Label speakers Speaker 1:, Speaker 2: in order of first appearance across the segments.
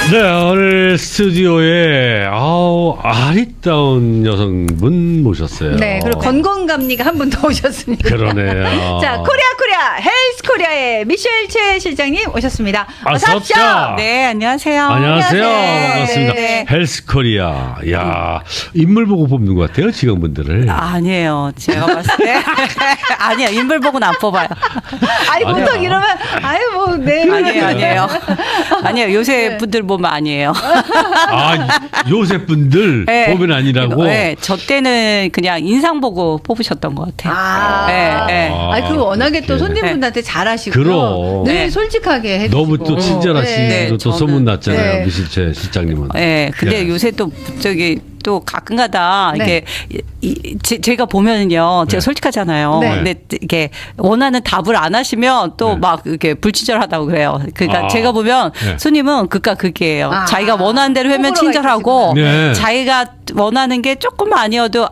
Speaker 1: 네, 오늘 스튜디오에 아리따운 여성분 모셨어요.
Speaker 2: 네, 그리고 건강감리가 한 분 더 오셨습니다.
Speaker 1: 그러네요.
Speaker 2: 자, 코리아 헬스 코리아의 미셸 최 실장님 오셨습니다. 어서 오십시오.
Speaker 3: 네, 안녕하세요.
Speaker 1: 안녕하세요.
Speaker 2: 안녕하세요.
Speaker 1: 반갑습니다.
Speaker 2: 네.
Speaker 1: 헬스코리아. 야, 인물 보고 뽑는 것 같아요, 직원분들을.
Speaker 3: 아니에요. 제가 봤을 때. 아니요. 인물 보고는 안 뽑아요.
Speaker 2: 아니,
Speaker 1: 아니야.
Speaker 2: 보통 이러면, 아유, 뭐, 네.
Speaker 3: 아니에요. 아니에요. 요새
Speaker 2: 네.
Speaker 3: 분들 보면 아니에요.
Speaker 1: 요새 분들
Speaker 3: 네.
Speaker 1: 보면 아니라고.
Speaker 3: 네, 저 때는 그냥 인상 보고 뽑으셨던 것 같아요.
Speaker 2: 아,
Speaker 3: 네.
Speaker 2: 아니, 그 워낙에 또
Speaker 1: 그렇게.
Speaker 2: 손님분들한테 잘하시고.
Speaker 1: 그럼.
Speaker 2: 늘
Speaker 3: 네.
Speaker 2: 솔직하게 해주시고.
Speaker 1: 너무 또 친절하시고
Speaker 3: 네,
Speaker 1: 또
Speaker 3: 저는-
Speaker 1: 소문났잖아요,
Speaker 2: 네.
Speaker 1: 미실체 실장님은.
Speaker 3: 네, 근데
Speaker 1: 네.
Speaker 3: 요새 또 또 가끔가다
Speaker 2: 네.
Speaker 3: 이게 제가 보면은요, 제가
Speaker 1: 네.
Speaker 3: 솔직하잖아요.
Speaker 2: 네.
Speaker 3: 근데 이게 원하는 답을 안 하시면 또
Speaker 1: 네.
Speaker 3: 막 이렇게 불친절하다고 그래요. 그러니까
Speaker 1: 아.
Speaker 3: 제가 보면
Speaker 1: 네.
Speaker 3: 손님은 극과 극이에요.
Speaker 2: 아.
Speaker 3: 자기가 원하는 대로 하면
Speaker 2: 호불호가
Speaker 3: 친절하고
Speaker 1: 있으시구나. 네.
Speaker 3: 자기가 원하는 게 조금 아니어도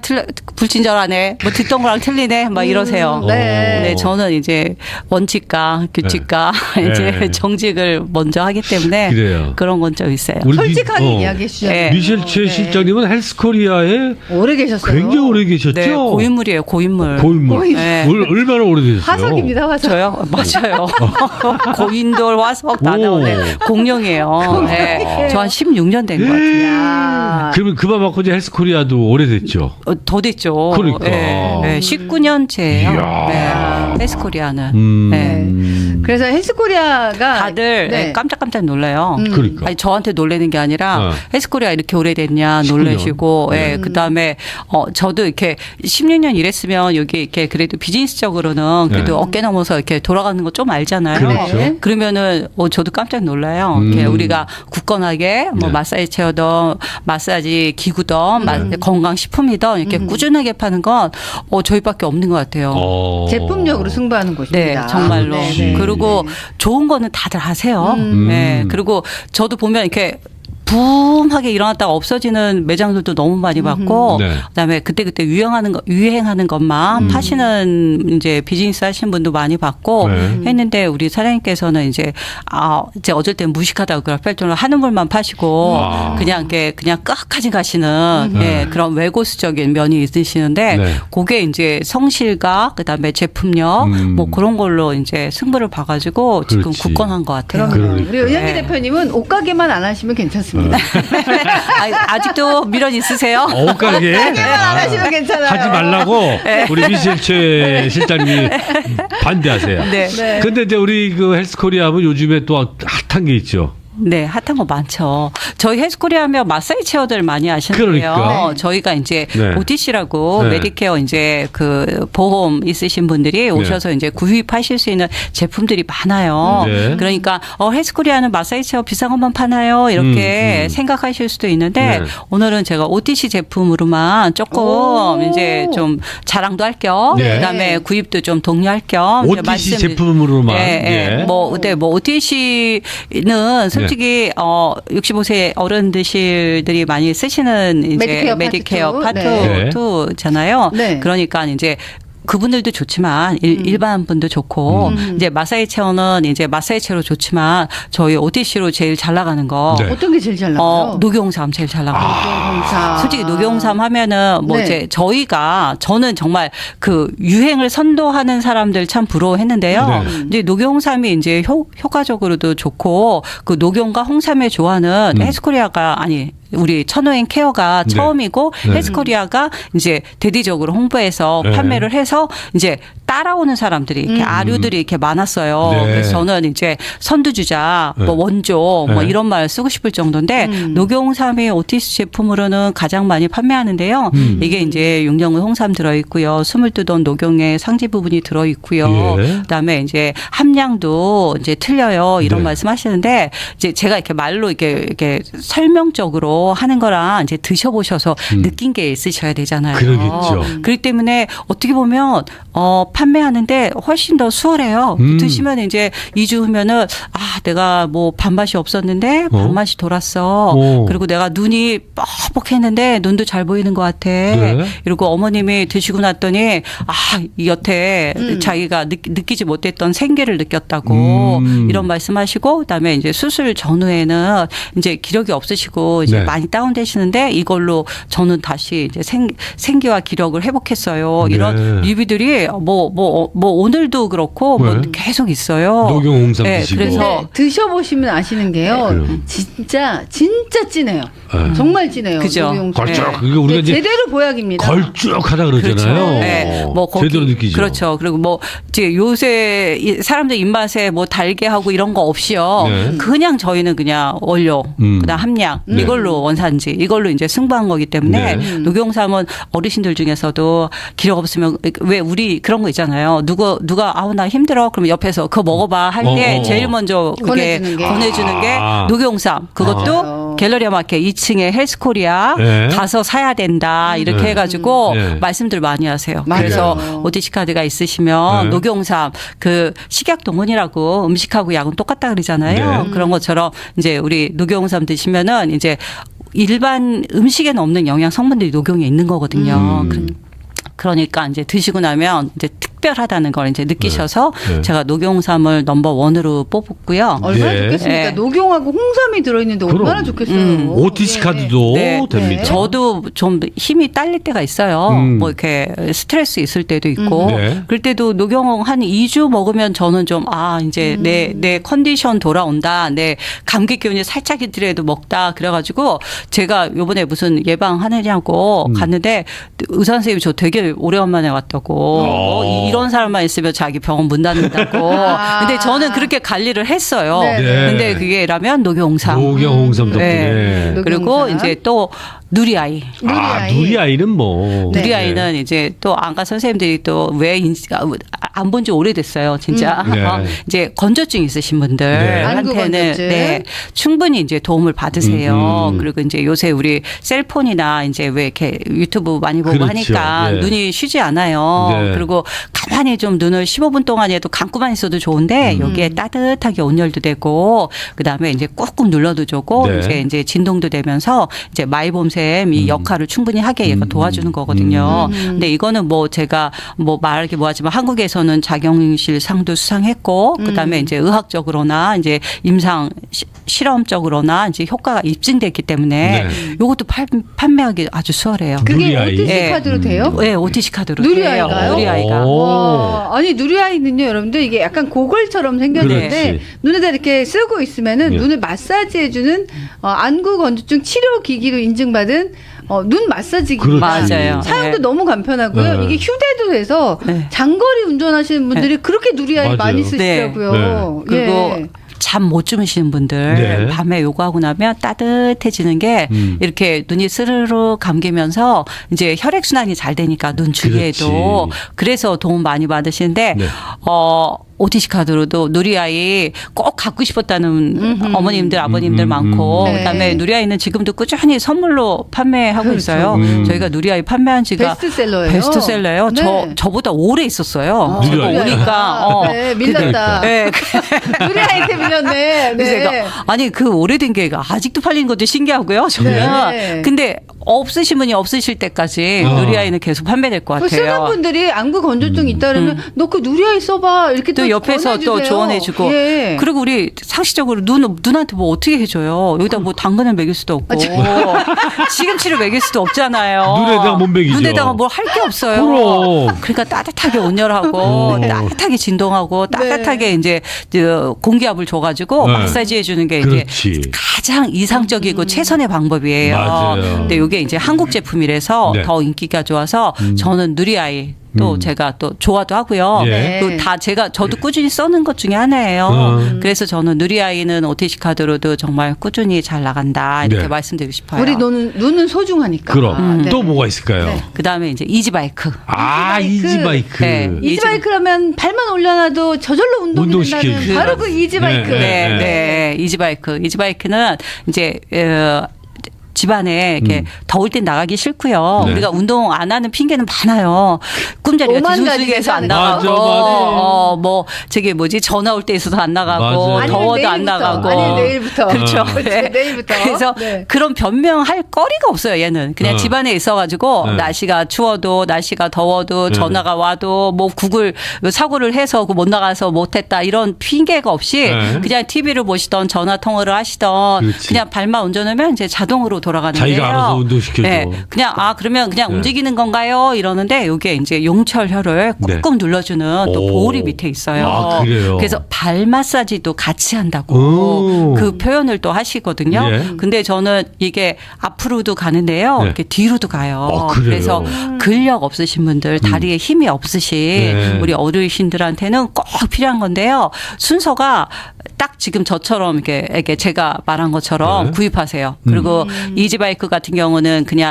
Speaker 3: 불친절하네. 뭐 듣던 거랑 틀리네. 막 이러세요.
Speaker 2: 네.
Speaker 3: 근데 저는 이제 원칙과 규칙과
Speaker 1: 네.
Speaker 3: 이제
Speaker 1: 네.
Speaker 3: 정직을 먼저 하기 때문에
Speaker 1: 그래요.
Speaker 3: 그런 건 좀 있어요.
Speaker 1: 우리
Speaker 2: 솔직하게 이야기해 주셨죠.
Speaker 3: 네.
Speaker 1: 미실체
Speaker 2: 네.
Speaker 1: 실장님은 헬스코리아에
Speaker 2: 오래 계셨어요.
Speaker 1: 굉장히 오래 계셨죠?
Speaker 3: 네, 고인물이에요, 고인물.
Speaker 1: 고인물.
Speaker 2: 고인.
Speaker 3: 네.
Speaker 1: 얼마나 오래되셨어요?
Speaker 2: 화석입니다, 화석.
Speaker 3: 저요? 맞아요. 고인돌 화석 다 나오네. 공룡이에요. 네. 저 한 16년 된 것 같아요.
Speaker 2: 야.
Speaker 1: 그러면 그만 맞고 이제 헬스코리아도 오래됐죠.
Speaker 3: 더 됐죠.
Speaker 1: 그러니까.
Speaker 3: 네, 네, 19년째예요.
Speaker 1: 이야.
Speaker 3: 네, 헬스코리아는. 네.
Speaker 2: 그래서 헬스코리아가
Speaker 3: 다들
Speaker 2: 네.
Speaker 3: 깜짝깜짝 놀라요.
Speaker 1: 그러니까.
Speaker 3: 아니 저한테 놀라는 게 아니라
Speaker 1: 어.
Speaker 3: 헬스코리아 이렇게 오래됐냐
Speaker 1: 19년.
Speaker 3: 놀라시고,
Speaker 1: 네.
Speaker 3: 예, 그다음에 저도 이렇게 16년 일했으면 여기 이렇게 그래도 비즈니스적으로는 그래도
Speaker 1: 네.
Speaker 3: 어깨 넘어서 이렇게 돌아가는 거 좀 알잖아요.
Speaker 1: 그렇죠.
Speaker 2: 네.
Speaker 3: 그러면은 저도 깜짝 놀라요. 이렇게 우리가 굳건하게 뭐
Speaker 1: 네.
Speaker 3: 마사지 체어든 마사지 기구든 건강식품이든 이렇게
Speaker 2: 음.
Speaker 3: 꾸준하게 파는 건 저희밖에 없는 것 같아요.
Speaker 2: 제품력으로 승부하는
Speaker 3: 네,
Speaker 2: 곳입니다.
Speaker 3: 정말로.
Speaker 2: 네, 네,
Speaker 3: 그리고
Speaker 2: 네.
Speaker 3: 좋은 거는 다들 하세요.
Speaker 1: 음.
Speaker 3: 네, 그리고 저도 보면 이렇게 붐하게 일어났다가 없어지는 매장들도 너무 많이 봤고,
Speaker 1: 네.
Speaker 3: 그다음에 그때그때 유행하는 것만 파시는 이제 비즈니스 하시는 분도 많이 봤고
Speaker 1: 네.
Speaker 3: 했는데 우리 사장님께서는 이제 어쩔 땐 무식하다고 그럴 정도로 하는 물만 파시고 그냥 끝까지 가시는 예, 그런 외고수적인 면이 있으시는데
Speaker 1: 네.
Speaker 3: 그게 이제 성실과 그다음에 제품력 뭐 그런 걸로 이제 승부를 봐가지고 지금
Speaker 1: 그렇지.
Speaker 3: 굳건한 것 같아요.
Speaker 2: 그럼요.
Speaker 1: 그러니까.
Speaker 2: 우리 은영기
Speaker 3: 네.
Speaker 2: 대표님은 옷가게만 안 하시면 괜찮습니다.
Speaker 3: 아직도 미련 있으세요?
Speaker 1: 옷가게
Speaker 2: 옷가게만 안 하시면 괜찮아요.
Speaker 1: 하지 말라고 우리 미실체 실장님이 반대하세요.
Speaker 3: 네.
Speaker 2: 네.
Speaker 1: 근데 이제 우리 그 헬스코리아 하면 요즘에 또 핫한 게 있죠.
Speaker 3: 네, 핫한 거 많죠. 저희 헬스코리아 하면 마사지 체어들 많이 하시는데요.
Speaker 1: 그러니까.
Speaker 3: 저희가 이제
Speaker 1: 네.
Speaker 3: OTC라고
Speaker 1: 네.
Speaker 3: 메디케어 이제 그 보험 있으신 분들이 오셔서 이제 구입하실 수 있는 제품들이 많아요.
Speaker 1: 네.
Speaker 3: 그러니까 헬스코리아는 마사지 체어 비싼 것만 파나요? 이렇게 생각하실 수도 있는데
Speaker 1: 네.
Speaker 3: 오늘은 제가 OTC 제품으로만 조금
Speaker 2: 오.
Speaker 3: 이제 좀 자랑도 할 겸,
Speaker 1: 네.
Speaker 3: 그다음에 구입도 좀 독려할 겸 이제
Speaker 1: OTC 제품으로만.
Speaker 3: 예, 예. 뭐 OTC는 솔직히 65세 어른들이 많이 쓰시는 이제
Speaker 2: 메디케어
Speaker 3: 파트
Speaker 1: 네.
Speaker 3: 2잖아요.
Speaker 2: 네.
Speaker 3: 그러니까 이제 그분들도 좋지만 일반 분도 좋고 이제 마사지 체어는 이제 마사지 체어로 좋지만 저희 OTC로 제일 잘 나가는 거
Speaker 1: 네.
Speaker 2: 어떤 게 제일 잘 나가요?
Speaker 3: 녹용삼 제일 잘 나가요.
Speaker 2: 녹용삼.
Speaker 3: 솔직히 녹용삼 하면은 뭐
Speaker 2: 네.
Speaker 3: 이제 저는 정말 그 유행을 선도하는 사람들 참 부러워했는데요.
Speaker 1: 네.
Speaker 3: 이제 녹용삼이 이제 효과적으로도 좋고 그 녹용과 홍삼의 조화는 헬스코리아가 아니 우리 천호행 케어가
Speaker 1: 네.
Speaker 3: 처음이고
Speaker 1: 네.
Speaker 3: 헬스코리아가 이제 대대적으로 홍보해서
Speaker 1: 네.
Speaker 3: 판매를 해서 이제 따라오는 사람들이 이렇게 아류들이 이렇게 많았어요.
Speaker 1: 네.
Speaker 3: 그래서 저는 이제 선두주자,
Speaker 1: 네.
Speaker 3: 뭐 원조, 뭐
Speaker 1: 네.
Speaker 3: 이런 말 쓰고 싶을 정도인데 녹용삼이 OTC 제품으로는 가장 많이 판매하는데요. 이게 이제 육령은 홍삼 들어 있고요, 숨을 뜨던 녹용의 상지 부분이 들어 있고요.
Speaker 1: 예.
Speaker 3: 그다음에 이제 함량도 이제 틀려요. 이런
Speaker 1: 네.
Speaker 3: 말씀하시는데 이제 제가 이렇게 말로 이렇게 설명적으로 하는 거랑 이제 드셔보셔서 느낀 게 있으셔야 되잖아요.
Speaker 1: 그러겠죠.
Speaker 3: 그렇기 때문에 어떻게 보면 판매하는데 훨씬 더 수월해요. 드시면 이제 2주 후면은 내가 뭐 밥맛이 없었는데 밥맛이 돌았어. 그리고 내가 눈이 뻑뻑했는데 눈도 잘 보이는 것 같아.
Speaker 1: 네.
Speaker 3: 이러고 어머님이 드시고 났더니 이 여태 자기가 느끼지 못했던 생기를 느꼈다고 이런 말씀하시고 그다음에 이제 수술 전후에는 이제 기력이 없으시고 이제
Speaker 1: 네.
Speaker 3: 많이 다운되시는데 이걸로 저는 다시 이제 생기와 기력을 회복했어요. 이런
Speaker 1: 네.
Speaker 3: 리뷰들이 뭐 오늘도 그렇고 뭐
Speaker 1: 네.
Speaker 3: 계속 있어요.
Speaker 1: 녹용홍삼
Speaker 3: 네,
Speaker 1: 드시고.
Speaker 3: 그래서
Speaker 2: 근데 드셔보시면 아시는 게요.
Speaker 1: 그럼.
Speaker 2: 진짜 진해요.
Speaker 1: 네.
Speaker 2: 정말 진해요.
Speaker 3: 그죠.
Speaker 2: 녹용홍삼.
Speaker 1: 걸쭉.
Speaker 3: 네.
Speaker 1: 그러니까 우리가 이제
Speaker 2: 제대로 보약입니다.
Speaker 1: 걸쭉하다 그러잖아요.
Speaker 3: 그렇죠. 네. 뭐 거기,
Speaker 1: 제대로 느끼죠.
Speaker 3: 그렇죠. 그리고 뭐 이제 요새 사람들 입맛에 뭐 달게 하고 이런 거 없이요.
Speaker 1: 네.
Speaker 3: 그냥 저희는 그냥 원료, 그다음 함량
Speaker 1: 네.
Speaker 3: 이걸로 원산지 이걸로 이제 승부한 거기 때문에
Speaker 1: 네.
Speaker 3: 녹용삼은 어르신들 중에서도 기력 없으면 왜 우리 그런 거 있잖아요. 누가 나 힘들어 그러면 옆에서 그거 먹어봐 할 때 제일 먼저 그게 권해주는 게 녹용삼. 그것도 갤러리아 마켓 2층에 헬스코리아
Speaker 1: 네.
Speaker 3: 가서 사야 된다 이렇게
Speaker 1: 네.
Speaker 3: 해가지고
Speaker 1: 네.
Speaker 3: 말씀들 많이 하세요.
Speaker 2: 맞아요.
Speaker 3: 그래서 OTC 카드가 있으시면
Speaker 1: 네.
Speaker 3: 녹용삼 그 식약 동원이라고 음식하고 약은 똑같다 그러잖아요.
Speaker 1: 네.
Speaker 3: 그런 것처럼 이제 우리 녹용삼 드시면은 이제 일반 음식에는 없는 영양 성분들이 녹용에 있는 거거든요. 그러니까 이제 드시고 나면 이제 특별하다는 걸 이제 느끼셔서
Speaker 1: 네.
Speaker 3: 제가 녹용삼을 넘버 원으로 뽑았고요.
Speaker 2: 얼마나
Speaker 1: 네.
Speaker 2: 좋겠습니까?
Speaker 3: 네.
Speaker 2: 녹용하고 홍삼이 들어있는데 얼마나
Speaker 1: 그럼.
Speaker 2: 좋겠어요.
Speaker 1: OTC
Speaker 2: 예.
Speaker 1: 카드도
Speaker 3: 네.
Speaker 1: 됩니다.
Speaker 3: 저도 좀 힘이 딸릴 때가 있어요. 뭐 이렇게 스트레스 있을 때도 있고.
Speaker 1: 네.
Speaker 3: 그럴 때도 녹용 한 2주 먹으면 저는 좀 이제 내 컨디션 돌아온다. 내 감기 기운이 살짝 있더라도 먹다. 그래가지고 제가 요번에 무슨 예방하느냐고 갔는데 의사 선생님이 저 되게 오래간만에 왔다고. 이런 사람만 있으면 자기 병원 문 닫는다고. 근데 저는 그렇게 관리를 했어요.
Speaker 2: 네.
Speaker 1: 네.
Speaker 3: 근데 그게라면 녹용삼.
Speaker 1: 녹용홍삼 덕분에.
Speaker 3: 네. 그리고
Speaker 2: 녹용삼.
Speaker 3: 이제 또 누리아이.
Speaker 1: 누리아이는 뭐.
Speaker 2: 네.
Speaker 3: 누리아이는 이제 또 안과 선생님들이 또 왜 안 본 지 오래됐어요, 진짜.
Speaker 1: 네.
Speaker 3: 이제 건조증 있으신
Speaker 2: 안구
Speaker 3: 분들한테는
Speaker 2: 건조증.
Speaker 3: 네, 충분히 이제 도움을 받으세요. 그리고 이제 요새 우리 셀폰이나 이제 왜 이렇게 유튜브 많이 보고
Speaker 1: 그렇죠.
Speaker 3: 하니까
Speaker 1: 네.
Speaker 3: 눈이 쉬지 않아요.
Speaker 1: 네.
Speaker 3: 그리고 가만히 좀 눈을 15분 동안에도 감고만 있어도 좋은데 여기에 따뜻하게 온열도 되고 그다음에 이제 꾹꾹 눌러도 좋고
Speaker 1: 네.
Speaker 3: 이제 진동도 되면서 이제 마이봄샘 이 역할을 충분히 하게 얘가 도와주는 거거든요. 근데 이거는 뭐 제가 뭐 말하기 뭐하지만 한국에서는 자경실 상도 수상했고 그다음에 이제 의학적으로나 이제 임상 실험적으로나 이제 효과가 입증됐기 때문에
Speaker 1: 네.
Speaker 3: 이것도 판매하기 아주 수월해요.
Speaker 2: 그게
Speaker 1: 누리아이.
Speaker 2: OTC
Speaker 3: 네.
Speaker 2: 카드로 돼요?
Speaker 3: 네, OTC 카드로
Speaker 2: 누리아이가요?
Speaker 3: 돼요. 누리아이가.
Speaker 1: 오.
Speaker 2: 아니 누리아이는요 여러분들 이게 약간 고글처럼 생겼는데
Speaker 1: 그렇지.
Speaker 2: 눈에다 이렇게 쓰고 있으면은
Speaker 1: 네.
Speaker 2: 눈을 마사지해주는 안구 건조증 치료 기기로 인증받은 눈 마사지기.
Speaker 1: 그렇지.
Speaker 3: 맞아요.
Speaker 2: 사용도
Speaker 3: 네.
Speaker 2: 너무 간편하고요.
Speaker 1: 네.
Speaker 2: 이게 휴대도 돼서
Speaker 3: 네.
Speaker 2: 장거리 운전하시는 분들이 그렇게 누리아이
Speaker 1: 맞아요.
Speaker 2: 많이 쓰시더라고요.
Speaker 1: 네.
Speaker 3: 그리고
Speaker 2: 예.
Speaker 3: 잠 못 주무시는 분들
Speaker 1: 네.
Speaker 3: 밤에 요거 하고 나면 따뜻해지는 게 이렇게 눈이 스르르 감기면서 이제 혈액 순환이 잘 되니까 눈 주위에도
Speaker 1: 그렇지.
Speaker 3: 그래서 도움 많이 받으시는데
Speaker 1: 네.
Speaker 3: OTC 카드로도 누리아이 꼭 갖고 싶었다는 어머님들 아버님들 많고
Speaker 2: 네.
Speaker 3: 그다음에 누리아이는 지금도 꾸준히 선물로 판매하고
Speaker 2: 그렇죠.
Speaker 3: 있어요. 저희가 누리아이 판매한 지가
Speaker 2: 베스트셀러예요.
Speaker 3: 베스트셀러예요.
Speaker 2: 네.
Speaker 3: 저보다 오래 있었어요. 제가
Speaker 1: 누리아이.
Speaker 3: 오니까
Speaker 2: 네, 밀렸다.
Speaker 3: 네.
Speaker 2: 누리아이한테 밀렸네.
Speaker 3: 그래서
Speaker 2: 네.
Speaker 3: 제가 아니 그 오래된 게 아직도 팔리는 것도 신기하고요. 저는
Speaker 2: 네.
Speaker 3: 근데 없으신 분이 없으실 때까지 누리아이는 계속 판매될 것
Speaker 2: 그 쓰는
Speaker 3: 같아요.
Speaker 2: 분들이 안구 건조증 있다 그러면 너 그 누리아이 써봐 이렇게
Speaker 3: 또 옆에서 또
Speaker 2: 권해주세요.
Speaker 3: 조언해주고
Speaker 2: 예.
Speaker 3: 그리고 우리 상식적으로 눈한테 뭐 어떻게 해줘요? 여기다 뭐 당근을 먹일 수도 없고 시금치를 먹일 수도 없잖아요.
Speaker 1: 눈에다가 못 먹이죠.
Speaker 3: 눈에다가 뭘 할 게 없어요.
Speaker 1: 그럼.
Speaker 3: 그러니까 따뜻하게 온열하고 따뜻하게 진동하고 따뜻하게 이제 그 공기압을 줘가지고
Speaker 1: 네.
Speaker 3: 마사지 해주는 게
Speaker 1: 그렇지.
Speaker 3: 이제 가장 이상적이고 최선의 방법이에요.
Speaker 1: 맞아요.
Speaker 3: 근데 이게 이제 한국 제품이라서
Speaker 1: 네.
Speaker 3: 더 인기가 좋아서 저는 누리아이 또 제가 또 좋아도 하고요.
Speaker 1: 예.
Speaker 3: 그 다 저도 꾸준히 써는 것 중에 하나예요. 그래서 저는 누리아이는 OTC 카드로도 정말 꾸준히 잘 나간다 이렇게
Speaker 1: 네.
Speaker 3: 말씀드리고 싶어요.
Speaker 2: 우리 눈은 소중하니까.
Speaker 1: 그럼
Speaker 2: 네.
Speaker 1: 또 뭐가 있을까요?
Speaker 2: 네.
Speaker 3: 그다음에 이제 이지바이크.
Speaker 1: 이지바이크.
Speaker 3: 네.
Speaker 2: 이지바이크라면 발만 올려놔도 저절로 운동된다는
Speaker 1: 운동시켜주죠.
Speaker 2: 바로 그 이지바이크.
Speaker 1: 네.
Speaker 3: 네, 이지바이크. 이지바이크는 이제 집안에 이렇게 더울 땐 나가기 싫고요.
Speaker 1: 네.
Speaker 3: 우리가 운동 안 하는 핑계는 많아요. 꿈자리가
Speaker 2: 오만 가지
Speaker 3: 뒤숭숭해서 안
Speaker 2: 괜찮은
Speaker 3: 나가고,
Speaker 1: 거. 맞아.
Speaker 3: 뭐 저기 뭐지 전화 올 때 있어서 안 나가고,
Speaker 1: 맞아요.
Speaker 2: 아니면
Speaker 3: 더워도 안
Speaker 2: 내일부터.
Speaker 3: 나가고.
Speaker 2: 아니면 내일부터.
Speaker 3: 그렇죠.
Speaker 2: 그렇죠.
Speaker 3: 네.
Speaker 2: 내일부터.
Speaker 3: 그래서
Speaker 2: 네.
Speaker 3: 그런 변명할 거리가 없어요. 얘는 그냥
Speaker 1: 네.
Speaker 3: 집안에 있어가지고
Speaker 1: 네.
Speaker 3: 날씨가 추워도 날씨가 더워도
Speaker 1: 네.
Speaker 3: 전화가 와도 뭐 구글 사고를 해서 못 나가서 못했다 이런 핑계가 없이
Speaker 1: 네.
Speaker 3: 그냥 TV를 보시던 전화 통화를 하시던
Speaker 1: 그렇지.
Speaker 3: 그냥 발만 운전하면 이제 자동으로 돌아가는데요.
Speaker 1: 자기가 알아서 운동시켜줘.
Speaker 3: 그냥 그러면 그냥
Speaker 1: 네.
Speaker 3: 움직이는 건가요? 이러는데 이게 이제 용철혈을 꾹꾹 눌러주는 또
Speaker 1: 오.
Speaker 3: 보울이 밑에 있어요.
Speaker 1: 아, 그래요?
Speaker 3: 그래서 발 마사지도 같이 한다고
Speaker 1: 오.
Speaker 3: 그 표현을 또 하시거든요.
Speaker 1: 예.
Speaker 3: 근데 저는 이게 앞으로도 가는데요.
Speaker 1: 네.
Speaker 3: 이렇게 뒤로도 가요.
Speaker 1: 그래요?
Speaker 3: 그래서 근력 없으신 분들, 다리에 힘이 없으신
Speaker 1: 네.
Speaker 3: 우리 어르신들한테는 꼭 필요한 건데요. 순서가 딱 지금 저처럼 이렇게 제가 말한 것처럼
Speaker 1: 네.
Speaker 3: 구입하세요. 그리고 이지바이크 같은 경우는 그냥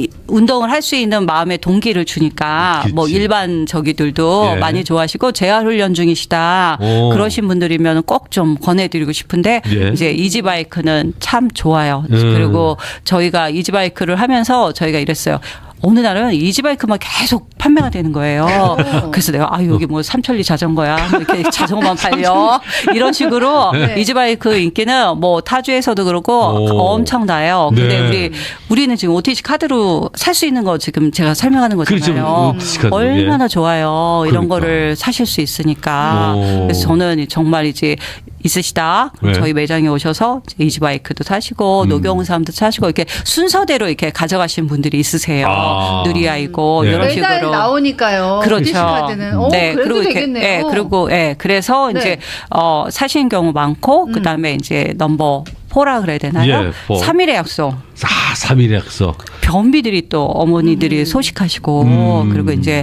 Speaker 3: 운동을 할 수 있는 마음의 동기를 주니까
Speaker 1: 그치.
Speaker 3: 뭐 일반 저기들도
Speaker 1: 예.
Speaker 3: 많이 좋아하시고 재활 훈련 중이시다.
Speaker 1: 오.
Speaker 3: 그러신 분들이면 꼭 좀 권해드리고 싶은데
Speaker 1: 예.
Speaker 3: 이제 이지바이크는 참 좋아요. 그리고 저희가 이지바이크를 하면서 저희가 이랬어요. 어느 날은 이지바이크만 계속 판매가 되는 거예요. 그래서 내가 여기 뭐 삼천리 자전거야. 이렇게 자전거만 팔려. 이런 식으로
Speaker 2: 네.
Speaker 3: 이지바이크 인기는 뭐 타주에서도 그렇고
Speaker 1: 오.
Speaker 3: 엄청나요. 근데
Speaker 1: 네.
Speaker 3: 우리는 지금 OTC 카드로 살 수 있는 거 지금 제가 설명하는 거잖아요.
Speaker 1: 그렇죠. OTC 카드.
Speaker 3: 얼마나 좋아요. 이런
Speaker 1: 그러니까.
Speaker 3: 거를 사실 수 있으니까.
Speaker 1: 오.
Speaker 3: 그래서 저는 정말 이제 있으시다. 그럼
Speaker 1: 네.
Speaker 3: 저희 매장에 오셔서 이지바이크도 사시고 녹용삼도 사시고 이렇게 순서대로 이렇게 가져가신 분들이 있으세요.
Speaker 1: 아.
Speaker 3: 느리아이고
Speaker 1: 네.
Speaker 3: 이런
Speaker 2: 매달
Speaker 3: 식으로.
Speaker 2: 나오니까요.
Speaker 3: 그렇죠.
Speaker 2: OTC 카드는. 그래도
Speaker 3: 그리고 이렇게,
Speaker 2: 되겠네요.
Speaker 3: 그리고 그래서
Speaker 2: 네.
Speaker 3: 이제 사시는 경우 많고 그다음에 이제 넘버 4라 그래야 되나요?
Speaker 1: 예, 4.
Speaker 3: 3일의 약속.
Speaker 1: 3일 약속.
Speaker 3: 변비들이 또 어머니들이 소식하시고 그리고 이제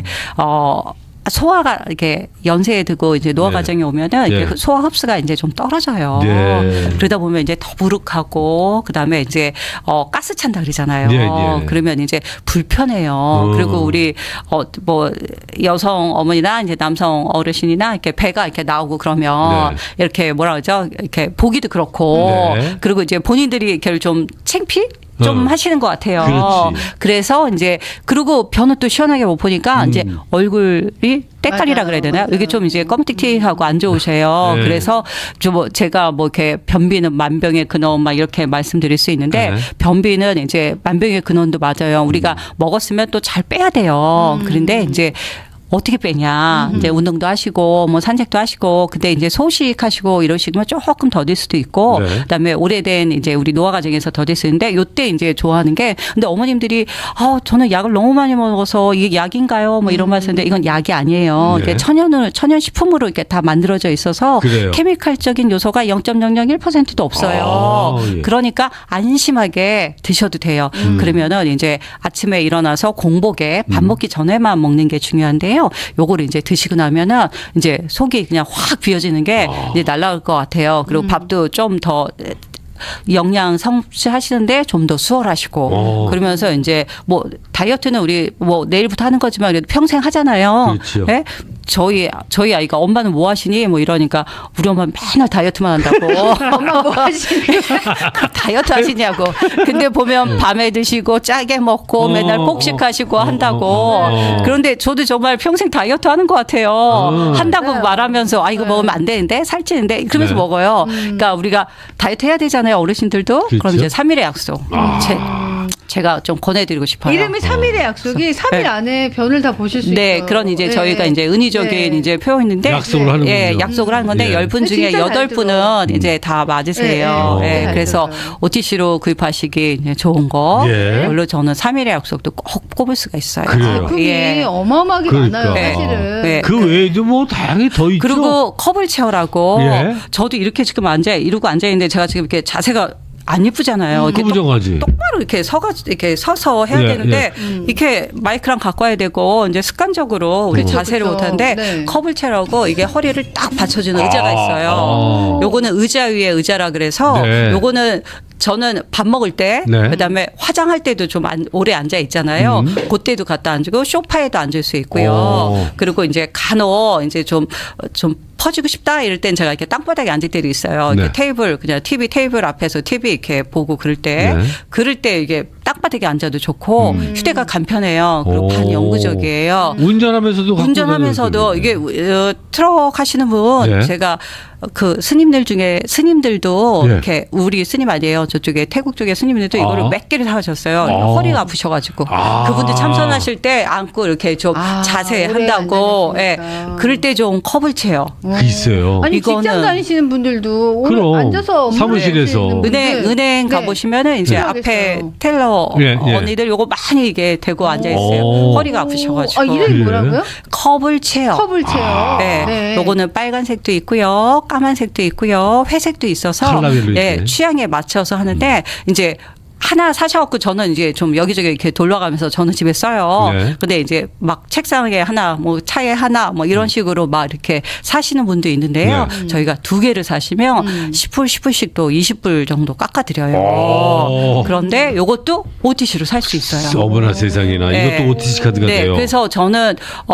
Speaker 3: 소화가 이렇게 연세에 들고 이제 노화
Speaker 1: 네.
Speaker 3: 과정에 오면은 이렇게
Speaker 1: 네.
Speaker 3: 소화 흡수가 이제 좀 떨어져요.
Speaker 1: 네.
Speaker 3: 그러다 보면 이제 더부룩하고 그다음에 이제 가스 찬다 그러잖아요.
Speaker 1: 네, 네.
Speaker 3: 그러면 이제 불편해요. 그리고 우리 뭐 여성 어머니나 이제 남성 어르신이나 이렇게 배가 이렇게 나오고 그러면
Speaker 1: 네.
Speaker 3: 이렇게 뭐라 그러죠? 이렇게 보기도 그렇고
Speaker 1: 네.
Speaker 3: 그리고 이제 본인들이 이렇게 좀 창피 좀 하시는 것 같아요.
Speaker 1: 그렇지.
Speaker 3: 그래서 이제 그리고 변은 또 시원하게 못 보니까 이제 얼굴이 때깔이라
Speaker 2: 맞아요.
Speaker 3: 그래야 되나요?
Speaker 2: 맞아요.
Speaker 3: 이게 좀 이제 껌틱틱하고 안 좋으세요.
Speaker 1: 네.
Speaker 3: 그래서 좀 제가 뭐 이렇게 변비는 만병의 근원 막 이렇게 말씀드릴 수 있는데
Speaker 1: 네.
Speaker 3: 변비는 이제 만병의 근원도 맞아요. 우리가 먹었으면 또 잘 빼야 돼요. 그런데 이제 어떻게 빼냐. 이제 운동도 하시고 뭐 산책도 하시고 근데 이제 소식하시고 이러시면 조금 더딜 수도 있고
Speaker 1: 네.
Speaker 3: 그다음에 오래된 이제 우리 노화 과정에서 더딜 수 있는데 요때 이제 좋아하는 게 근데 어머님들이 저는 약을 너무 많이 먹어서 이게 약인가요? 뭐 이런 말씀인데 이건 약이 아니에요.
Speaker 1: 네.
Speaker 3: 이게 천연 식품으로 이렇게 다 만들어져 있어서
Speaker 1: 그래요.
Speaker 3: 케미칼적인 요소가 0.001%도 없어요.
Speaker 1: 예.
Speaker 3: 그러니까 안심하게 드셔도 돼요. 그러면은 이제 아침에 일어나서 공복에 밥 먹기 전에만 먹는 게 중요한데요. 요거를 이제 드시고 나면은 이제 속이 그냥 확 비어지는 게 이제 날아갈 것 같아요. 그리고 밥도 좀 더 영양 섭취하시는데 좀 더 수월하시고 그러면서 이제 뭐 다이어트는 우리 뭐 내일부터 하는 거지만 그래도 평생 하잖아요.
Speaker 1: 그렇죠.
Speaker 3: 네? 저희 아이가 엄마는 뭐 하시니 뭐 이러니까 우리 엄마는 맨날 다이어트만 한다고.
Speaker 2: 엄마 뭐 하시니?
Speaker 3: 다이어트 하시냐고. 근데 보면 밤에 드시고 짜게 먹고 맨날 폭식하시고 한다고. 그런데 저도 정말 평생 다이어트 하는 것 같아요. 한다고
Speaker 2: 네.
Speaker 3: 말하면서 이거 먹으면 안 되는데 살찌는데 그러면서
Speaker 1: 네.
Speaker 3: 먹어요. 그러니까 우리가 다이어트 해야 되잖아요. 어르신들도.
Speaker 1: 그렇죠.
Speaker 3: 그럼 이제 3일의 약속. 제가 좀 권해드리고 싶어요.
Speaker 2: 이름이 3일의 약속이 3일 안에 변을 다 보실 수
Speaker 3: 네,
Speaker 2: 있어요.
Speaker 3: 그런 이제
Speaker 2: 네.
Speaker 3: 저희가 이제 은의적인
Speaker 2: 네.
Speaker 3: 이제 표현인데
Speaker 1: 약속을 하는군요.
Speaker 3: 약속을 하는 건데
Speaker 1: 예.
Speaker 3: 10분 중에
Speaker 2: 진짜 잘
Speaker 3: 8분은 이제 다 맞으세요.
Speaker 2: 네, 네. 잘
Speaker 3: 그래서
Speaker 2: 들어요.
Speaker 3: OTC로 구입하시기 이제 좋은 거.
Speaker 1: 예.
Speaker 3: 별로 저는 3일의 약속도 꼭 꼽을 수가 있어요.
Speaker 1: 그래요.
Speaker 2: 제품이 어마어마하게
Speaker 1: 그러니까.
Speaker 2: 많아요, 사실은.
Speaker 3: 네.
Speaker 1: 그 외에도 뭐 다양히 더 있죠.
Speaker 3: 그리고 컵을 채우라고
Speaker 1: 예.
Speaker 3: 저도 이렇게 지금 이러고 앉아 있는데 제가 지금 이렇게 자세가 안 예쁘잖아요. 이렇게
Speaker 1: 부정하지.
Speaker 3: 똑바로 이렇게 이렇게 서서 해야
Speaker 1: 예,
Speaker 3: 되는데 이렇게 마이크랑 갖고 와야 되고 이제 습관적으로 우리
Speaker 2: 그렇죠,
Speaker 3: 자세를
Speaker 2: 그렇죠.
Speaker 3: 못하는데
Speaker 2: 네.
Speaker 3: 컵을 채라고 이게 허리를 딱 받쳐주는 의자가 있어요.
Speaker 1: 아.
Speaker 3: 요거는 의자 위에 의자라 그래서
Speaker 1: 네.
Speaker 3: 요거는 저는 밥 먹을 때,
Speaker 1: 네.
Speaker 3: 그다음에 화장할 때도 좀 오래 앉아 있잖아요. 그때도 갖다 앉고 소파에도 앉을 수 있고요. 그리고 이제 간혹 이제 좀 퍼지고 싶다 이럴 땐 제가 이렇게 땅바닥에 앉을 때도 있어요.
Speaker 1: 네.
Speaker 3: 이렇게 테이블 그냥 TV 테이블 앞에서 TV 이렇게 보고 그럴 때
Speaker 1: 네.
Speaker 3: 그럴 때 이게 땅바닥에 앉아도 좋고 휴대가 간편해요. 그리고
Speaker 1: 오.
Speaker 3: 반영구적이에요.
Speaker 1: 운전하면서도 갖고
Speaker 3: 운전하면서도
Speaker 1: 다녀도
Speaker 3: 이게 트럭 하시는 분
Speaker 1: 네.
Speaker 3: 제가 그 스님들 중에 스님들도
Speaker 1: 네.
Speaker 3: 이렇게 우리 스님 아니에요. 저쪽에 태국 쪽에 스님들도 이거를
Speaker 1: 아.
Speaker 3: 몇 개를 사가셨어요.
Speaker 1: 아.
Speaker 3: 허리가 아프셔가지고 그분들 참선하실 때 안고 이렇게 좀 자세
Speaker 2: 오래
Speaker 3: 한다고. 예.
Speaker 2: 앉아있으니까.
Speaker 3: 그럴 때 좀 컵을 채요.
Speaker 1: 그 있어요.
Speaker 2: 아니
Speaker 3: 이거는-
Speaker 2: 직장 다니시는 분들도 오늘
Speaker 1: 그럼.
Speaker 2: 앉아서 업무를
Speaker 1: 사무실에서.
Speaker 2: 하시는 분들.
Speaker 3: 은행
Speaker 2: 네.
Speaker 3: 가보시면은 이제
Speaker 2: 필요하겠어요.
Speaker 3: 앞에 텔러
Speaker 1: 예, 예.
Speaker 3: 언니들 요거 많이 이게 대고 앉아 있어요.
Speaker 1: 오.
Speaker 3: 허리가 아프셔가지고.
Speaker 2: 아 이름이
Speaker 1: 그래?
Speaker 2: 뭐라고요?
Speaker 3: 컵을 채요.
Speaker 2: 컵을 채요.
Speaker 3: 네. 요거는 빨간색도 있고요. 까만색도 있고요. 회색도 있어서
Speaker 1: 컬러별로
Speaker 3: 예,
Speaker 1: 있네.
Speaker 3: 취향에 맞춰서 하는데 이제 하나 사셔갖고 저는 이제 좀 여기저기 이렇게 돌려가면서 저는 집에 써요.
Speaker 1: 네.
Speaker 3: 근데 이제 막 책상에 하나, 뭐 차에 하나, 뭐 이런 식으로 막 이렇게 사시는 분도 있는데요. 저희가 두 개를 사시면 10불, 10불씩 또 20불 정도 깎아드려요.
Speaker 1: 오.
Speaker 3: 그런데 요것도 OTC로 살 수 있어요.
Speaker 1: 어머나 세상에나
Speaker 3: 네.
Speaker 1: 이것도 OTC 카드가
Speaker 3: 네,
Speaker 1: 돼요.
Speaker 3: 그래서 저는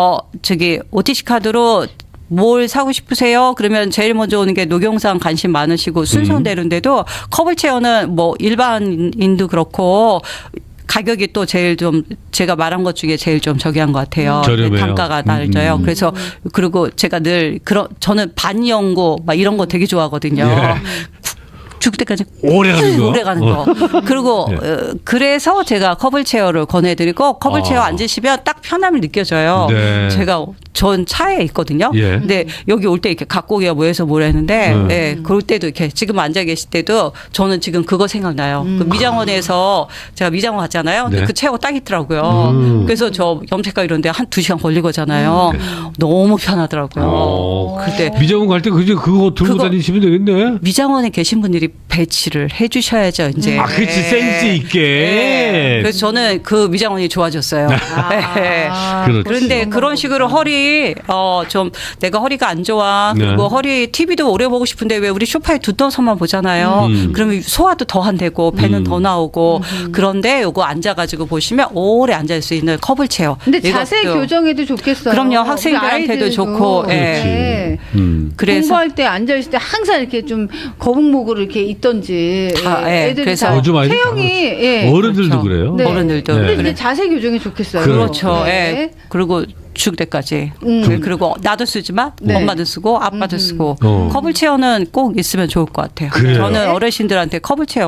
Speaker 3: OTC 카드로 뭘 사고 싶으세요? 그러면 제일 먼저 오는 게 녹용상 관심 많으시고 순서대로인데도 컵을 채워는 뭐 일반인도 그렇고 가격이 또 제일 좀 제가 말한 것 중에 제일 좀 저기한 것 같아요.
Speaker 1: 저렴해요.
Speaker 3: 단가가 낮아요. 그래서 그리고 제가 늘 저는 반영고 막 이런 거 되게 좋아하거든요.
Speaker 1: 예.
Speaker 3: 죽을 때까지
Speaker 1: 오래 가는 거.
Speaker 3: 오래 가는 거. 그리고
Speaker 1: 네.
Speaker 3: 그래서 제가 커블 체어를 권해드리고 커블 체어 앉으시면 딱 편함을 느껴져요.
Speaker 1: 네.
Speaker 3: 제가 전 차에 있거든요.
Speaker 1: 예.
Speaker 3: 근데 여기 올 때 이렇게 갖고 오기가 뭐해서 뭐라 했는데
Speaker 1: 네.
Speaker 3: 예, 그럴 때도 이렇게 지금 앉아 계실 때도 저는 지금 그거 생각나요. 그 미장원에서 제가 미장원 갔잖아요. 근데
Speaker 1: 네.
Speaker 3: 그 체어가 딱 있더라고요. 그래서 저 염색과 이런데 한 2시간 걸리거잖아요. 너무 편하더라고요. 그때
Speaker 1: 미장원 갈 때 그거 들고
Speaker 3: 그거-
Speaker 1: 다니시면 되겠네.
Speaker 3: 미장원에 계신 분들이 배치를 해주셔야죠. 이제.
Speaker 1: 아, 그렇지. 센스 있게.
Speaker 3: 네. 그래서 저는 그 미장원이 좋아졌어요. 네.
Speaker 1: 그렇지.
Speaker 3: 그런데 그런 식으로 허리 좀 내가 허리가 안 좋아. 그리고
Speaker 1: 네.
Speaker 3: 허리 TV도 오래 보고 싶은데 왜 우리 소파에 두터서만 보잖아요. 그러면 소화도 더 안 되고 배는 더 나오고 그런데 요거 앉아가지고 보시면 오래 앉을 수 있는 컵을 채워.
Speaker 2: 근데 자세
Speaker 3: 이것도.
Speaker 2: 교정에도 좋겠어요.
Speaker 3: 그럼요.
Speaker 2: 우리
Speaker 3: 학생들한테도
Speaker 2: 아이들도.
Speaker 3: 좋고, 예.
Speaker 2: 네.
Speaker 3: 그래서
Speaker 2: 공부할 때 앉아 있을 때 항상 이렇게 좀 거북목으로 이렇게 있던지
Speaker 3: 다, 예.
Speaker 2: 애들이
Speaker 3: 그래서
Speaker 2: 다
Speaker 1: 요즘 아이들
Speaker 2: 체형이 예.
Speaker 1: 어른들도
Speaker 3: 그렇죠.
Speaker 1: 그래요.
Speaker 2: 네.
Speaker 3: 어른들도
Speaker 1: 네.
Speaker 2: 근데
Speaker 3: 그래.
Speaker 2: 이제 자세 교정이 좋겠어요.
Speaker 3: 그렇죠.
Speaker 2: 네.
Speaker 3: 예. 그리고 죽을 때까지. 네, 그리고 나도 쓰지만
Speaker 2: 네.
Speaker 3: 엄마도 쓰고 아빠도 쓰고
Speaker 1: 어.
Speaker 3: 컵을 체어는 꼭 있으면 좋을 것 같아요.
Speaker 1: 그래요.
Speaker 3: 저는 어르신들한테 컵을 체어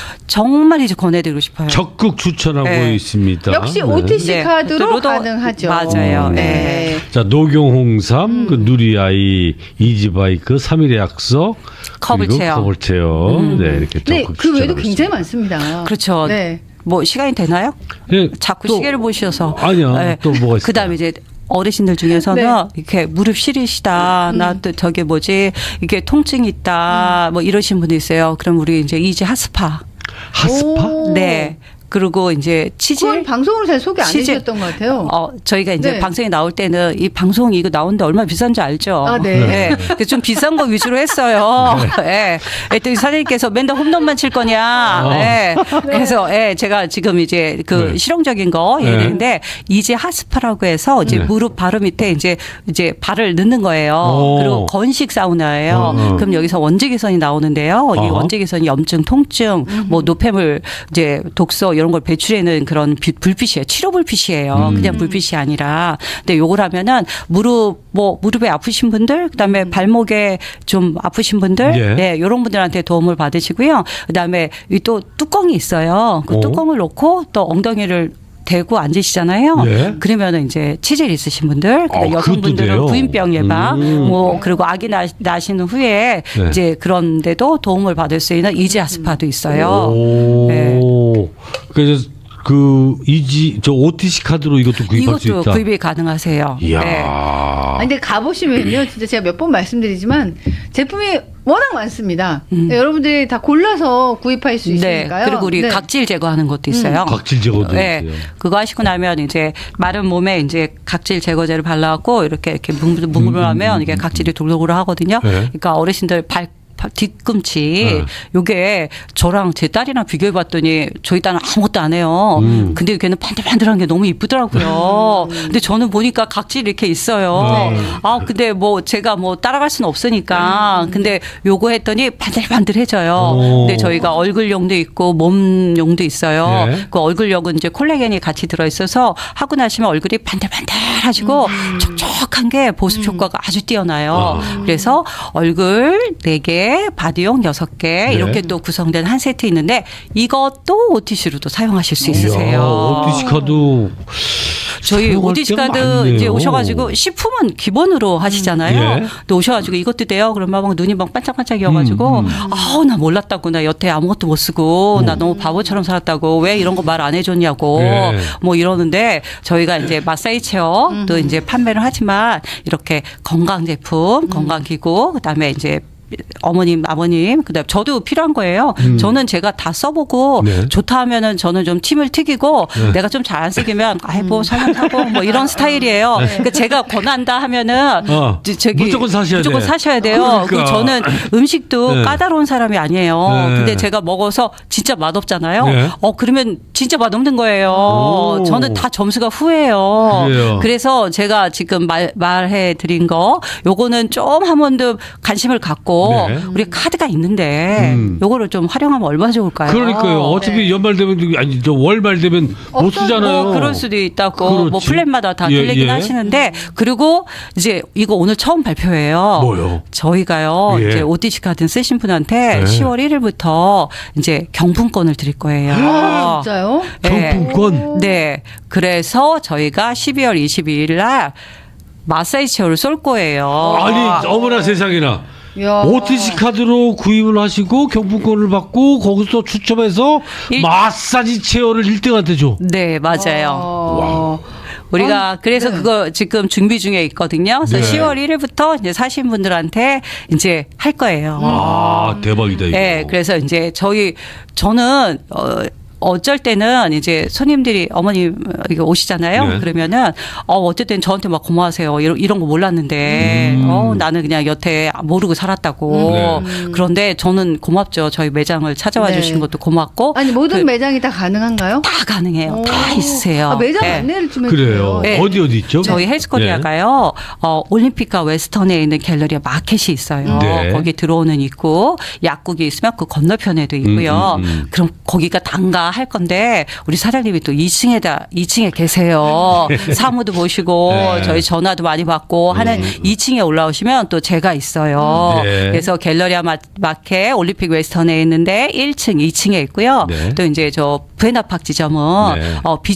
Speaker 3: 정말 이제 권해드리고 싶어요.
Speaker 1: 적극 추천하고
Speaker 3: 네.
Speaker 1: 있습니다.
Speaker 2: 역시
Speaker 1: 네.
Speaker 2: OTC
Speaker 3: 네.
Speaker 2: 카드로
Speaker 3: 로도-
Speaker 2: 가능하죠.
Speaker 3: 맞아요.
Speaker 2: 네.
Speaker 1: 자, 녹용홍삼, 그 누리아이, 이지바이크, 3일의 약속,
Speaker 3: 컵을
Speaker 1: 그리고
Speaker 3: 체어.
Speaker 1: 컵을 체어. 네, 이렇게
Speaker 2: 네,
Speaker 1: 적극
Speaker 2: 그 외에도
Speaker 1: 추천하고
Speaker 2: 굉장히
Speaker 1: 있습니다.
Speaker 2: 많습니다.
Speaker 3: 그렇죠.
Speaker 2: 네.
Speaker 3: 뭐 시간이 되나요?
Speaker 1: 예,
Speaker 3: 자꾸
Speaker 1: 또-
Speaker 3: 시계를 보셔서.
Speaker 1: 아니야. 또 뭐가 있어요?
Speaker 3: 그다음에 이제 어르신들 중에서는
Speaker 2: 네.
Speaker 3: 이렇게 무릎 시리시다. 나 또 저게 뭐지? 이게 통증이 있다. 뭐 이러신 분이 있어요. 그럼 우리 이제 이지 핫스파.
Speaker 1: 핫스파?
Speaker 2: 오.
Speaker 3: 네. 그리고 이제
Speaker 2: 그건
Speaker 3: 치질.
Speaker 2: 방송으로 잘 소개 안
Speaker 3: 치질.
Speaker 2: 해주셨던 것 같아요.
Speaker 3: 저희가 이제
Speaker 2: 네.
Speaker 3: 방송에 나올 때는 이 방송 이거 나오는데 얼마나 비싼지 알죠?
Speaker 2: 아, 네.
Speaker 3: 그래서 좀 비싼 거 위주로 했어요. 네. 그랬더니 사장님께서 맨날 홈런만 칠 거냐. 네. 그래서 제가 지금 이제 그
Speaker 1: 네.
Speaker 3: 실용적인 거
Speaker 1: 네.
Speaker 3: 얘기했는데 이제 핫스파라고 해서 이제
Speaker 1: 네.
Speaker 3: 무릎 바로 밑에 이제 발을 넣는 거예요.
Speaker 1: 오.
Speaker 3: 그리고 건식 사우나예요. 그럼 여기서 원적외선이 나오는데요. 이
Speaker 1: 어허.
Speaker 3: 원적외선이 염증, 통증, 뭐 노폐물, 이제 독소 이런 걸 배출해내는 그런 불빛이에요. 치료 불빛이에요. 그냥 불빛이 아니라. 근데 요걸 하면은 무릎에 아프신 분들, 그다음에 발목에 좀 아프신 분들,
Speaker 1: 예.
Speaker 3: 네, 이런 분들한테 도움을 받으시고요. 그다음에 이 또 뚜껑이 있어요. 그
Speaker 1: 오.
Speaker 3: 뚜껑을 놓고 또 엉덩이를 대고 앉으시잖아요.
Speaker 1: 예.
Speaker 3: 그러면은 이제 치질 있으신 분들, 그다음에
Speaker 1: 그것도
Speaker 3: 여성분들은
Speaker 1: 돼요?
Speaker 3: 부인병 예방, 뭐 그리고 아기 나시는 후에
Speaker 1: 네.
Speaker 3: 이제 그런데도 도움을 받을 수 있는 이지아 스파도 있어요.
Speaker 1: 오.
Speaker 3: 네.
Speaker 1: 그래서 저 OTC 카드로 이것도 구입할 수
Speaker 3: 이것도
Speaker 1: 있다.
Speaker 3: 구입이 가능하세요.
Speaker 1: 이야.
Speaker 3: 네.
Speaker 2: 아니, 근데 가보시면요. 진짜 제가 몇 번 말씀드리지만 제품이 워낙 많습니다. 네, 여러분들이 다 골라서 구입할 수
Speaker 3: 네.
Speaker 2: 있으니까요.
Speaker 3: 그리고 우리
Speaker 2: 네.
Speaker 3: 각질 제거하는 것도 있어요.
Speaker 1: 각질 제거도
Speaker 3: 네.
Speaker 1: 있어요.
Speaker 3: 그거 하시고 나면 이제 마른 몸에 이제 각질 제거제를 발라갖고 이렇게 뭉글뭉글하면 이게 각질이 돌돌돌 하거든요.
Speaker 1: 네.
Speaker 3: 그러니까 어르신들 뒤꿈치 요게 저랑 제 딸이랑 비교해 봤더니 저희 딸은 아무것도 안 해요. 근데 걔는 반들반들한 게 너무 이쁘더라고요. 근데 저는 보니까 각질이 이렇게 있어요.
Speaker 2: 네.
Speaker 3: 아 근데 뭐 제가 뭐 따라갈 수는 없으니까 근데 요거 했더니 반들반들해져요. 근데 저희가 얼굴용도 있고 몸용도 있어요.
Speaker 1: 네.
Speaker 3: 그 얼굴용은 이제 콜라겐이 같이 들어 있어서 하고 나시면 얼굴이 반들반들하시고 촉촉한 게 보습 효과가 아주 뛰어나요. 그래서 얼굴 4개, 바디용 6개
Speaker 1: 네.
Speaker 3: 이렇게 또 구성된 한 세트 있는데 이것도 OTC로도 사용하실 수 있으세요.
Speaker 1: OTC 카드
Speaker 3: 저희
Speaker 1: 사용할
Speaker 3: OTC
Speaker 1: 때가
Speaker 3: 카드
Speaker 1: 많네요.
Speaker 3: 이제 오셔가지고 식품은 기본으로 하시잖아요.
Speaker 1: 예.
Speaker 3: 또 오셔가지고 이것도 돼요. 그러면 막 눈이 막 반짝반짝이어가지고 아우 나 몰랐다고 나 여태 아무것도 못 쓰고 나 너무 바보처럼 살았다고 왜 이런 거 말 안 해줬냐고
Speaker 1: 예.
Speaker 3: 뭐 이러는데 저희가 이제 마사지 체어 또 이제 판매를 하지만 이렇게 건강 제품, 건강 기구 그다음에 이제 어머님, 아버님, 그다음 저도 필요한 거예요. 저는 제가 다 써보고
Speaker 1: 네.
Speaker 3: 좋다 하면은 저는 좀 팀을 튀기고 내가 좀 잘 안 쓰기면 아이고 설명하고 뭐 이런 스타일이에요. 그러니까 제가 권한다 하면은 저기
Speaker 1: 무조건 사셔야
Speaker 3: 무조건
Speaker 1: 돼.
Speaker 3: 사셔야 돼요.
Speaker 1: 그러니까.
Speaker 3: 그리고 저는 음식도
Speaker 1: 네.
Speaker 3: 까다로운 사람이 아니에요.
Speaker 1: 네.
Speaker 3: 근데 제가 먹어서 진짜 맛없잖아요.
Speaker 1: 네.
Speaker 3: 그러면 진짜 맛없는 거예요.
Speaker 1: 오.
Speaker 3: 저는 다 점수가 후예요.
Speaker 1: 그래요.
Speaker 3: 그래서 제가 지금 말해 드린 거 요거는 좀 한 번 더 관심을 갖고
Speaker 1: 네.
Speaker 3: 우리 카드가 있는데 요거를 좀 활용하면 얼마나 좋을까요?
Speaker 1: 그러니까요. 어차피 연말 되면 아니 저 월말 되면 못
Speaker 2: 없어요.
Speaker 1: 쓰잖아요.
Speaker 3: 뭐 그럴 수도 있다고
Speaker 1: 그렇지.
Speaker 3: 뭐 플랜마다 다
Speaker 1: 예,
Speaker 3: 틀리긴
Speaker 1: 예.
Speaker 3: 하시는데 그리고 이제 이거 오늘 처음 발표예요.
Speaker 1: 뭐요?
Speaker 3: 저희가요
Speaker 1: 예.
Speaker 3: 이제 OTC 카드 쓰신 분한테
Speaker 1: 네.
Speaker 3: 10월 1일부터 이제 경품권을 드릴 거예요.
Speaker 2: 아, 진짜요?
Speaker 1: 경품권.
Speaker 3: 네. 그래서 저희가 12월 22일 날 마사지 체어를 쏠 거예요.
Speaker 1: 아니 어머나 세상에나.
Speaker 2: 야.
Speaker 1: OTC 카드로 구입을 하시고 경품권을 받고 거기서 추첨해서 마사지 체어를 1등한테 줘.
Speaker 3: 네, 맞아요.
Speaker 2: 와.
Speaker 3: 우리가 그래서
Speaker 2: 네.
Speaker 3: 그거 지금 준비 중에 있거든요. 그래서
Speaker 1: 네.
Speaker 3: 10월 1일부터 이제 사신 분들한테 이제 할 거예요.
Speaker 1: 아 대박이다 이거.
Speaker 3: 네, 그래서 이제 저는 어쩔 때는 이제 손님들이 어머님 이거 오시잖아요.
Speaker 1: 네.
Speaker 3: 그러면은 어쨌든 저한테 막 고마워하세요. 이런 거 몰랐는데 나는 그냥 여태 모르고 살았다고.
Speaker 1: 네.
Speaker 3: 그런데 저는 고맙죠. 저희 매장을 찾아와
Speaker 2: 네.
Speaker 3: 주신 것도 고맙고.
Speaker 2: 아니 모든
Speaker 3: 그-
Speaker 2: 매장이 다 가능한가요?
Speaker 3: 다 가능해요.
Speaker 2: 오.
Speaker 3: 다 있으세요.
Speaker 2: 아, 매장
Speaker 3: 네.
Speaker 2: 안내를 좀
Speaker 1: 그래요.
Speaker 2: 해주세요.
Speaker 3: 네.
Speaker 1: 어디 있죠?
Speaker 3: 저희 헬스코리아가요. 올림픽과 웨스턴에 있는 갤러리아 마켓이 있어요.
Speaker 1: 네.
Speaker 3: 거기 들어오는 있고 약국이 있으면 그 건너편에도 있고요. 그럼 거기가 단가 할 건데 우리 사장님이 또 2층에 계세요. 사무도 보시고
Speaker 1: 네.
Speaker 3: 저희 전화도 많이 받고 하는 2층에 올라오시면 또 제가 있어요.
Speaker 1: 네.
Speaker 3: 그래서 갤러리아 마켓 올림픽 웨스턴에 있는데 1층, 2층에 있고요.
Speaker 1: 네.
Speaker 3: 또 이제 저 부에나팍 지점은
Speaker 1: 네.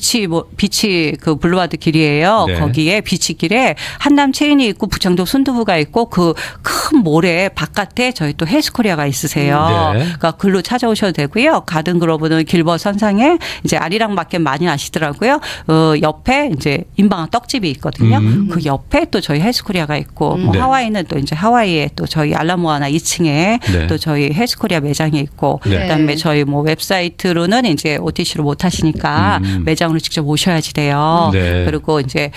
Speaker 2: 비치
Speaker 3: 그 블루바드 길이에요.
Speaker 1: 네.
Speaker 3: 거기에 비치길에 한남 체인이 있고 부창도 순두부가 있고 그 큰 모래 바깥에 저희 또 헬스코리아가 있으세요.
Speaker 1: 네.
Speaker 3: 그러니까 글로 찾아오셔도 되고요. 가든그로브는 길버 선상에 이제 아리랑 마켓 많이 아시더라고요. 옆에 이제 인방아 떡집이 있거든요. 그 옆에 또 저희 헬스코리아가 있고 뭐
Speaker 1: 네.
Speaker 3: 하와이는 또 이제 하와이에 또 저희 알라모아나 2층에
Speaker 1: 네.
Speaker 3: 또 저희 헬스코리아 매장이 있고
Speaker 1: 네.
Speaker 3: 그다음에 저희 뭐 웹사이트로는 이제 OTC로 못 하시니까 매장으로 직접 오셔야지 돼요.
Speaker 1: 네.
Speaker 3: 그리고 이제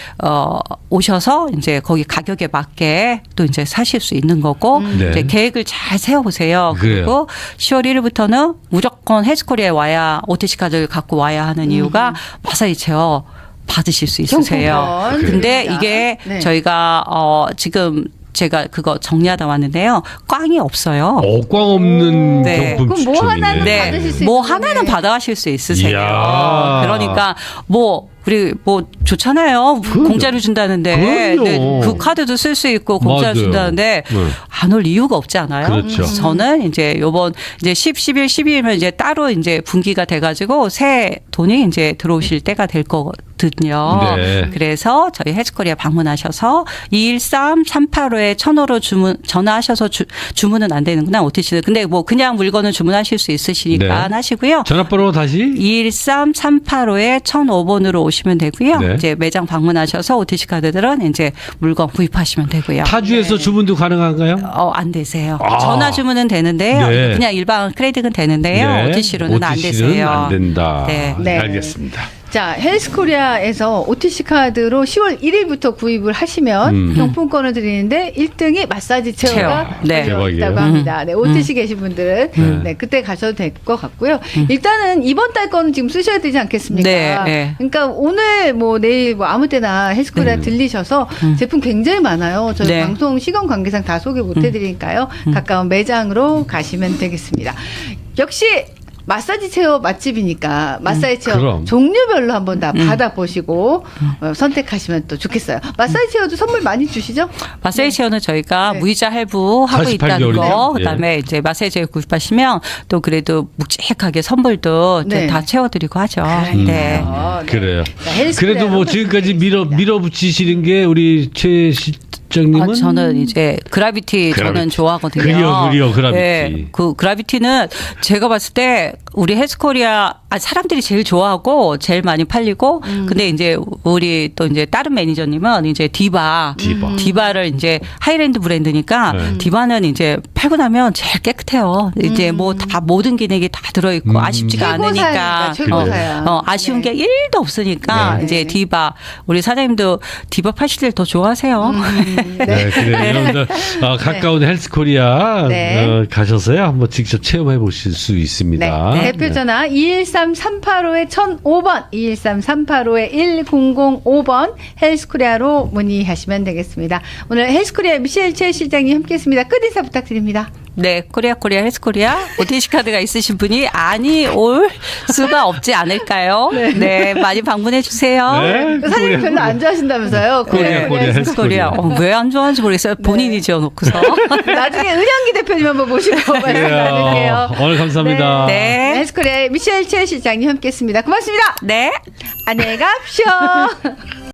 Speaker 3: 오셔서 이제 거기 가격에 맞게 또 이제 사실 수 있는 거고
Speaker 1: 네.
Speaker 3: 이제 계획을 잘 세워 보세요.
Speaker 1: 그래요.
Speaker 3: 그리고 10월 1일부터는 무조건 헬스코리아에 와야 OTC 카드를 갖고 와야 하는 이유가 마사지 체어 받으실 수 있으세요.
Speaker 2: 경품권
Speaker 3: 근데
Speaker 2: 드립니다.
Speaker 3: 이게
Speaker 2: 네.
Speaker 3: 저희가 지금 제가 그거 정리하다 왔는데요. 꽝이 없어요.
Speaker 1: 꽝 없는
Speaker 3: 네.
Speaker 1: 경품
Speaker 2: 그럼 뭐
Speaker 1: 추첨이네.
Speaker 2: 하나는
Speaker 3: 네,
Speaker 2: 받으실 수
Speaker 3: 뭐
Speaker 2: 있는
Speaker 3: 하나는
Speaker 2: 거네.
Speaker 3: 받아가실 수 있으세요.
Speaker 1: 이야.
Speaker 3: 그러니까 우리 좋잖아요. 공짜로 준다는데
Speaker 1: 그럼요.
Speaker 3: 네, 그 카드도 쓸 수 있고 공짜로
Speaker 1: 맞아요.
Speaker 3: 준다는데
Speaker 1: 네.
Speaker 3: 안 올 이유가 없지 않아요?
Speaker 1: 그렇죠.
Speaker 3: 저는 이제 요번 이제 10, 11, 12일면 이제 따로 이제 분기가 돼가지고 새 돈이 이제 들어오실 때가 될 거거든요.
Speaker 1: 네.
Speaker 3: 그래서 저희 헬스코리아 방문하셔서 213-385에 1000호로 전화하셔서 주문은 안 되는구나 OTC는. 근데 뭐 그냥 물건은 주문하실 수 있으시니까
Speaker 1: 네.
Speaker 3: 하시고요.
Speaker 1: 전화번호 다시
Speaker 3: 213-385에 1005번으로 오시면 되고요.
Speaker 1: 네.
Speaker 3: 이제 매장 방문하셔서 OTC 카드들은 이제 물건 구입하시면 되고요.
Speaker 1: 타주에서 주문도 가능한가요?
Speaker 3: 안 되세요.
Speaker 1: 아.
Speaker 3: 전화 주문은 되는데요.
Speaker 1: 네.
Speaker 3: 그냥 일반 크레딧은 되는데요.
Speaker 1: 네.
Speaker 3: OTC로는 안
Speaker 1: OTC 는
Speaker 3: 되세요.
Speaker 1: 안 된다.
Speaker 3: 네.
Speaker 2: 네.
Speaker 1: 알겠습니다.
Speaker 2: 자, 헬스코리아에서 OTC 카드로 10월 1일부터 구입을 하시면 경품권을 드리는데 1등이 마사지 체어가
Speaker 3: 네.
Speaker 2: 있다고 합니다. 네, OTC 계신 분들은 네, 그때 가셔도 될 것 같고요. 일단은 이번 달 거는 지금 쓰셔야 되지 않겠습니까?
Speaker 3: 네, 네.
Speaker 2: 그러니까 오늘 뭐 내일 뭐 아무 때나 헬스코리아 들리셔서 제품 굉장히 많아요. 저희
Speaker 3: 네.
Speaker 2: 방송 시간 관계상 다 소개 못 해드리니까요. 가까운 매장으로 가시면 되겠습니다. 역시 마사지 체어 맛집이니까 마사지 체어
Speaker 1: 그럼.
Speaker 2: 종류별로 한번 다 받아보시고 선택하시면 또 좋겠어요. 마사지 체어도 선물 많이 주시죠?
Speaker 3: 마사지 체어는 저희가
Speaker 2: 네.
Speaker 3: 무이자 할부하고
Speaker 1: 48
Speaker 3: 있다는
Speaker 1: 개월이죠?
Speaker 3: 거.
Speaker 1: 예.
Speaker 3: 그다음에 이제 마사지 체어 구입하시면 또 그래도 묵직하게 선물도
Speaker 2: 네.
Speaker 3: 다 채워드리고 하죠.
Speaker 2: 그러니까요.
Speaker 3: 네.
Speaker 2: 네.
Speaker 1: 그래요.
Speaker 2: 자, 헬스코리아
Speaker 1: 그래도 뭐
Speaker 2: 한번
Speaker 1: 지금까지
Speaker 2: 드리겠습니다.
Speaker 1: 밀어붙이시는 게 우리 최 실장님은
Speaker 3: 저는 이제 그라비티 저는
Speaker 1: 그라비티.
Speaker 3: 좋아하거든요.
Speaker 1: 그려, 그라비티.
Speaker 3: 네, 그 그라비티는 제가 봤을 때 우리 헬스코리아 사람들이 제일 좋아하고 제일 많이 팔리고 근데 이제 우리 또 이제 다른 매니저님은 이제 디바를 이제 하이랜드 브랜드니까
Speaker 1: 네.
Speaker 3: 디바는 이제 팔고 나면 제일 깨끗해요. 이제 뭐 다 모든 기능이 다 들어있고 아쉽지가 않으니까
Speaker 2: 최고사야.
Speaker 3: 아쉬운
Speaker 2: 네.
Speaker 3: 게 1도 없으니까
Speaker 2: 네.
Speaker 3: 이제 디바 우리 사장님도 디바 파실 때 더 좋아하세요.
Speaker 1: 네, 그래요. 여러분들 가까운 헬스코리아
Speaker 2: 네.
Speaker 1: 가셔서요 한번 직접 체험해 보실 수 있습니다.
Speaker 2: 네. 대표 전화 213-385-1005번, 213-385-1005번 헬스코리아로 문의하시면 되겠습니다. 오늘 헬스코리아 미셸 최 실장님 함께했습니다. 끝 인사 부탁드립니다.
Speaker 3: 네, 코리아 헬스코리아 OTC 카드가 있으신 분이 아니 올 수가 없지 않을까요? 네, 많이 방문해 주세요.
Speaker 1: 네.
Speaker 2: 사장님 별로 안 좋아하신다면서요?
Speaker 1: 코리아
Speaker 3: 헬스코리아 왜 안 좋아하는지 모르겠어요. 본인이 지어놓고서.
Speaker 2: 나중에 은영기 대표님 한번 모시고 말씀 나눌게요.
Speaker 1: 오늘 감사합니다.
Speaker 3: 네.
Speaker 2: 헬스코리아의 미셸 최 실장님 함께했습니다. 고맙습니다.
Speaker 3: 네.
Speaker 2: 안녕히 가십시오.